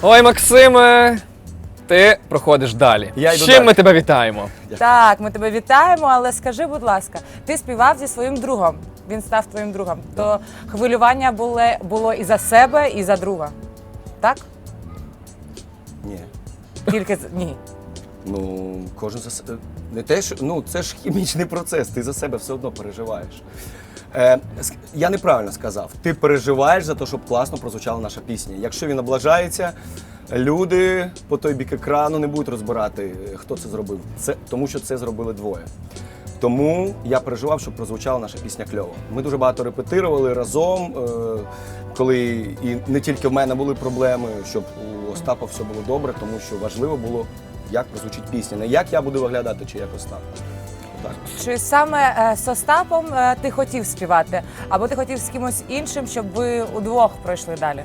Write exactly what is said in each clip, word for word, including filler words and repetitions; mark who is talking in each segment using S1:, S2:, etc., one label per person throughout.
S1: Ой, Максиме, ти проходиш далі.
S2: Я
S1: З
S2: йду
S1: чим
S2: далі.
S1: ми тебе вітаємо?
S3: Так, ми тебе вітаємо, але скажи, будь ласка, ти співав зі своїм другом, він став твоїм другом, то хвилювання було, було і за себе, і за друга, так?
S2: Ні.
S3: Тільки з- ні.
S2: Ну, кожен за себе. Не те, що ну це ж хімічний процес, ти за себе все одно переживаєш. Е, ск- я неправильно сказав. Ти переживаєш за те, щоб класно прозвучала наша пісня. Якщо він облажається, люди по той бік екрану не будуть розбирати, хто це зробив. Це тому, що це зробили двоє. Тому я переживав, щоб прозвучала наша пісня кльово. Ми дуже багато репетирували разом, е, коли і не тільки в мене були проблеми, щоб у Остапа все було добре, тому що важливо було, як прозвучить пісня. Не як я буду виглядати, чи як Остап. Так.
S3: Чи саме е, з Остапом е, ти хотів співати, або ти хотів з кимось іншим, щоб ви удвох пройшли далі?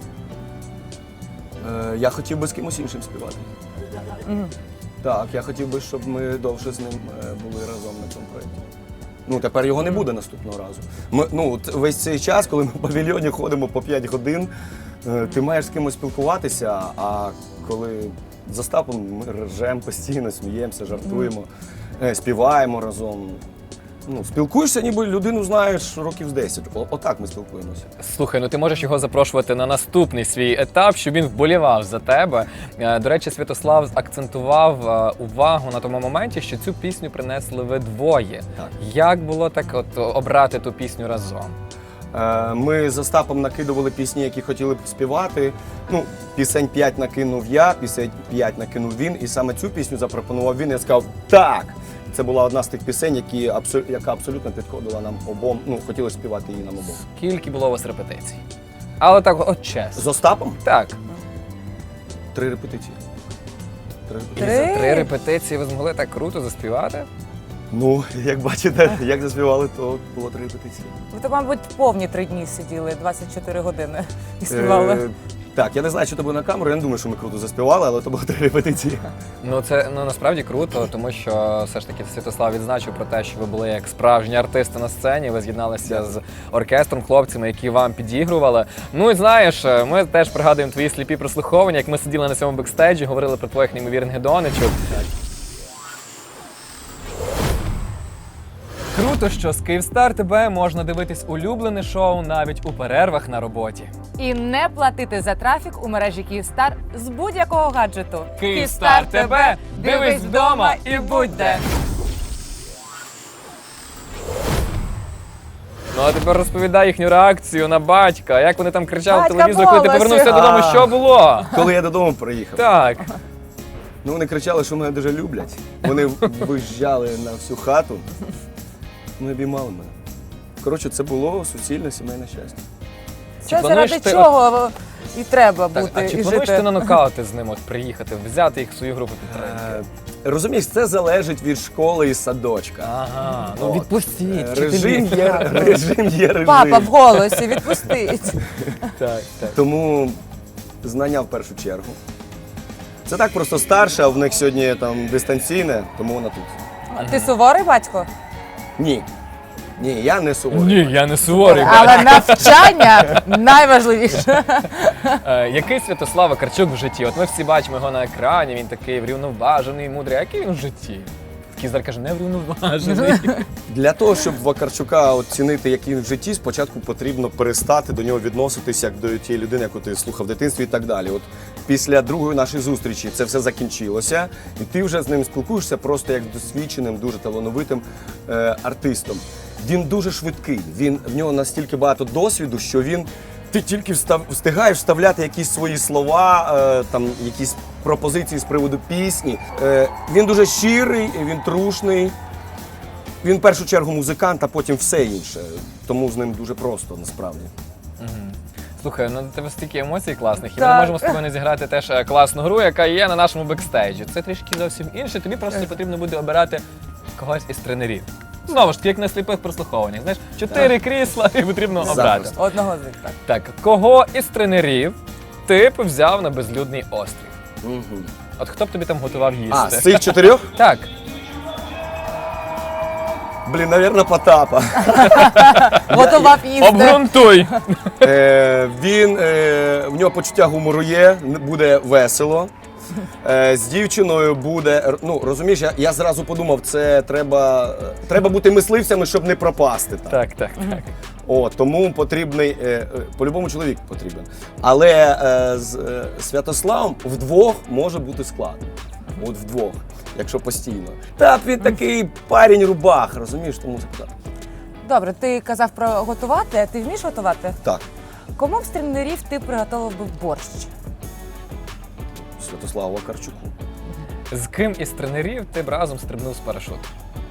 S2: Е, я хотів би з кимось іншим співати.
S3: Мгм.
S2: Так, я хотів би, щоб ми довше з ним е, були разом на цьому проєкті. Ну, тепер його не буде наступного разу. Ми, ну, от весь цей час, коли ми в павільйоні ходимо по п'ять годин, е, ти маєш з кимось спілкуватися, а коли з Остапом ми ржемо постійно, сміємося, жартуємо, е, співаємо разом. Ну, спілкуєшся, ніби людину знаєш років з десять. О, отак ми спілкуємося.
S1: Слухай, ну ти можеш його запрошувати на наступний свій етап, щоб він вболівав за тебе. Е, До речі, Святослав акцентував е, увагу на тому моменті, що цю пісню принесли ви двоє.
S2: Так.
S1: Як було так от обрати ту пісню разом?
S2: Е, Ми з Остапом накидували пісні, які хотіли б співати. Ну, пісень п'ять накинув я, пісень п'ять накинув він, і саме цю пісню запропонував він. Я сказав так. Це була одна з тих пісень, які абсо- яка абсолютно підходила нам обом. Ну, хотіли співати її нам обом.
S1: Скільки було у вас репетицій? Але так, от чесно.
S2: З Остапом
S1: Так.
S2: три репетиції. Три
S1: І
S2: репетиції.
S1: за
S3: Три?
S1: три репетиції ви змогли так круто заспівати?
S2: Ну, як бачите, як заспівали, то було три репетиції.
S3: Ви то, мабуть, повні три дні сиділи, двадцять чотири години і співали.
S2: Е, так, я не знаю, що це було на камеру, я не думаю, що ми круто заспівали, але то було три репетиції.
S1: Ну це ну насправді круто, тому що все ж таки Святослав відзначив про те, що ви були як справжні артисти на сцені. Ви з'єдналися з оркестром, хлопцями, які вам підігрували. Ну і знаєш, ми теж пригадуємо твої сліпі прослуховування, як ми сиділи на цьому бекстейджі, говорили про твоїх неймовірних донечок. Круто, що з Київстар ТБ можна дивитись улюблене шоу навіть у перервах на роботі.
S3: І не платити за трафік у мережі Київстар з будь-якого гаджету.
S1: Київстар ТБ, дивись вдома і будь де. Ну а тепер розповідай їхню реакцію на батька. Як вони там кричали в
S3: Батька
S1: телевізор, коли ти
S3: Волосі.
S1: повернувся додому, що було?
S2: Коли я додому приїхав.
S1: Так.
S2: Ну, вони кричали, що мене дуже люблять. Вони виїжджали на всю хату. Вони обіймали мене. Коротше, це було суцільне сімейне щастя.
S3: Це
S1: плануєш
S3: заради
S1: ти-
S3: чого і треба
S1: Так,
S3: бути
S1: а чи
S3: і
S1: плануєш
S3: жити.
S1: ти на нокаути з ним от приїхати, взяти їх в свою групу підтримки?
S2: Е, Розумієш, це залежить від школи і садочка.
S1: Ага, ну
S2: От.
S1: відпустіть.
S2: Е,
S1: вчителі.
S2: Режим є, режим є режим.
S3: Папа в голосі, відпустить.
S1: Так, так.
S2: Тому знання в першу чергу. Це так просто старше, а в них сьогодні там дистанційне, тому вона тут.
S3: Ти суворий батько?
S2: Ні. Ні, я не суворий.
S1: Ні, я не суворий.
S3: Але навчання найважливіше.
S1: Е, який Святослав Вакарчук в житті? От ми всі бачимо його на екрані, він такий врівноважений, мудрий. А який він в житті? Кізар каже, не врівноважений.
S2: Для того, щоб Вакарчука оцінити, який він в житті, спочатку потрібно перестати до нього відноситися як до тієї людини, яку ти слухав в дитинстві і так далі. От після другої нашої зустрічі це все закінчилося, і ти вже з ним спілкуєшся просто як з досвідченим, дуже талановитим е, артистом. Він дуже швидкий, він, в нього настільки багато досвіду, що він ти тільки встав, встигаєш вставляти якісь свої слова, е, там якісь пропозиції з приводу пісні. Е, він дуже щирий, він трушний. Він в першу чергу музикант, а потім все інше. Тому з ним дуже просто насправді.
S1: Слухай, ну у тебе стільки емоцій класних, і ми
S3: Так.
S1: не можемо з тобою не зіграти теж е, класну гру, яка є на нашому бекстейджі. Це трішки зовсім інше, тобі просто потрібно буде обирати когось із тренерів. Знову ж таки, як на сліпих прослуховуваннях. Знаєш, чотири крісла і потрібно обрати.
S2: Запросто.
S3: Одного з них, так.
S1: Так, кого із тренерів ти б взяв на безлюдний острів?
S2: Угу.
S1: От хто б тобі там готував їсти?
S2: А, з цих чотирьох?
S1: Так.
S2: Блін, навірно, Потапа.
S3: Готував їсти.
S1: Обґрунтуй!
S2: Е, він, е, в нього почуття гумору є, буде весело. Е, з дівчиною буде, ну розумієш, я, я зразу подумав, це треба, треба бути мисливцями, щоб не пропасти. Так.
S1: Так, так, так.
S2: О, тому потрібний, е, е, по-любому чоловік потрібен. Але е, з е, Святославом вдвох може бути складно. От вдвох, якщо постійно. Так, він такий парень рубах, розумієш, тому так.
S3: Добре, ти казав про готувати, а ти вмієш готувати?
S2: Так,
S3: Кому б з тренерів ти приготував би борщ?
S2: Святославу Вакарчуку.
S1: З ким із тренерів ти б разом стрибнув з парашуту?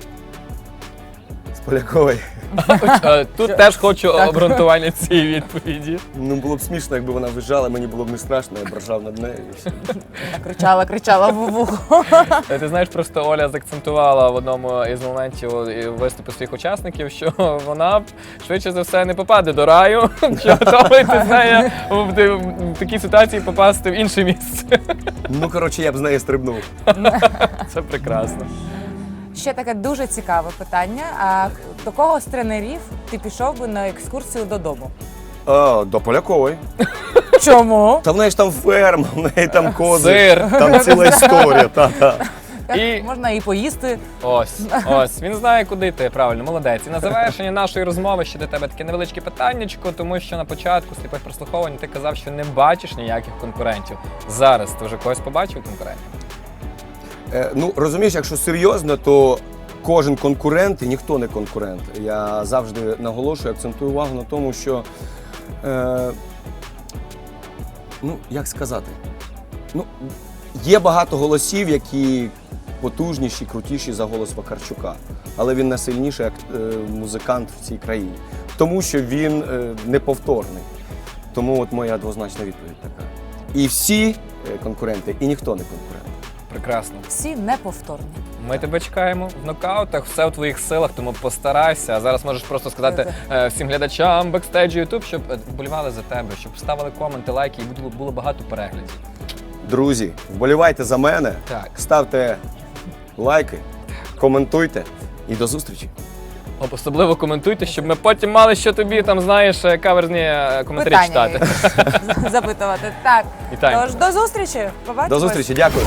S2: З Полякової.
S1: Е, Тут теж хочу обґрунтування цієї відповіді.
S2: Ну, було б смішно, якби вона виїжджала, мені було б не страшно, я б ржав над нею. і все.
S3: Кричала, кричала в вухо.
S1: Е, Ти знаєш, просто Оля заакцентувала в одному із моментів виступу своїх учасників, що вона швидше за все не попаде до раю, чи готовий ти з нею в ти- в такій ситуації попасти в інше місце.
S2: Ну, коротше, я б з нею стрибнув.
S1: Це прекрасно.
S3: Ще таке дуже цікаве питання. А до кого з тренерів ти пішов би на екскурсію додому?
S2: А, до Полякової.
S3: Чому?
S2: Та в неї ж там ферма, в неї там кози.
S1: Сир.
S2: Там ціла історія. Та-та.
S1: І-
S3: Можна і поїсти.
S1: Ось, ось, він знає, куди йти, правильно, молодець. І на завершення нашої розмови ще до тебе таке невеличке питаннячко, тому що на початку сліпих прослуховувань ти казав, що не бачиш ніяких конкурентів. Зараз ти вже когось побачив конкурентів?
S2: Е, ну, розумієш, якщо серйозно, то кожен конкурент і ніхто не конкурент. Я завжди наголошую, акцентую увагу на тому, що, е, ну, як сказати, ну, є багато голосів, які потужніші, крутіші за голос Вакарчука, але він найсильніший як е, музикант в цій країні, тому що він е, неповторний. Тому от моя двозначна відповідь така. І всі е, конкуренти, і ніхто не конкурент.
S1: Прекрасно.
S3: Всі неповторні.
S1: Ми тебе чекаємо в нокаутах, все в твоїх силах, тому постарайся. А зараз можеш просто сказати е, всім глядачам бекстейджу YouTube, щоб е, вболівали за тебе, щоб ставили коменти, лайки і було, було багато переглядів.
S2: Друзі, вболівайте за мене,
S1: Так.
S2: ставте лайки, коментуйте і до зустрічі.
S1: Особливо коментуйте, щоб ми потім мали, що тобі там, знаєш, е, каверзні е, коментарі
S3: Питання
S1: читати.
S3: запитувати. Так.
S1: Вітаємо.
S3: Тож до зустрічі. Побачимось.
S2: До зустрічі, дякую.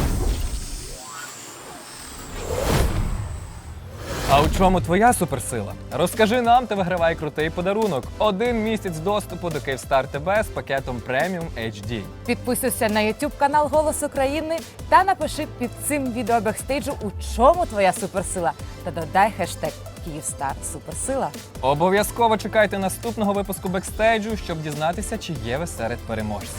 S1: А у чому твоя суперсила? Розкажи нам та вигравай крутий подарунок. Один місяць доступу до Київстар ТВ з пакетом преміум ейч ді.
S3: Підписуйся на YouTube канал Голос України та напиши під цим відео бекстейджу, у чому твоя суперсила. Та додай хештег Київстар Суперсила.
S1: Обов'язково чекайте наступного випуску бекстейджу, щоб дізнатися, чи є ви серед переможців.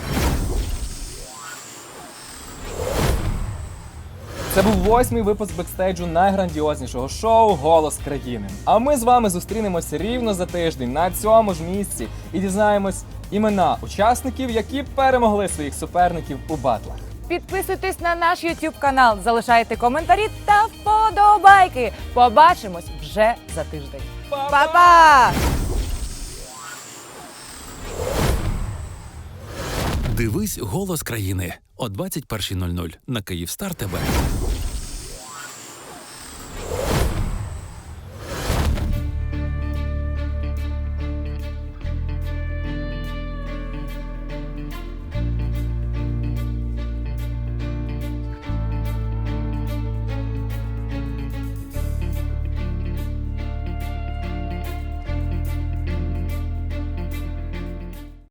S1: Це був восьмий випуск бекстейджу найграндіознішого шоу «Голос країни». А ми з вами зустрінемося рівно за тиждень на цьому ж місці і дізнаємось імена учасників, які перемогли своїх суперників у батлах.
S3: Підписуйтесь на наш YouTube канал, залишайте коментарі та вподобайки. Побачимось вже за тиждень. Па-па!
S4: Дивись «Голос країни» о двадцять першій нуль нуль на Київстар ТВ.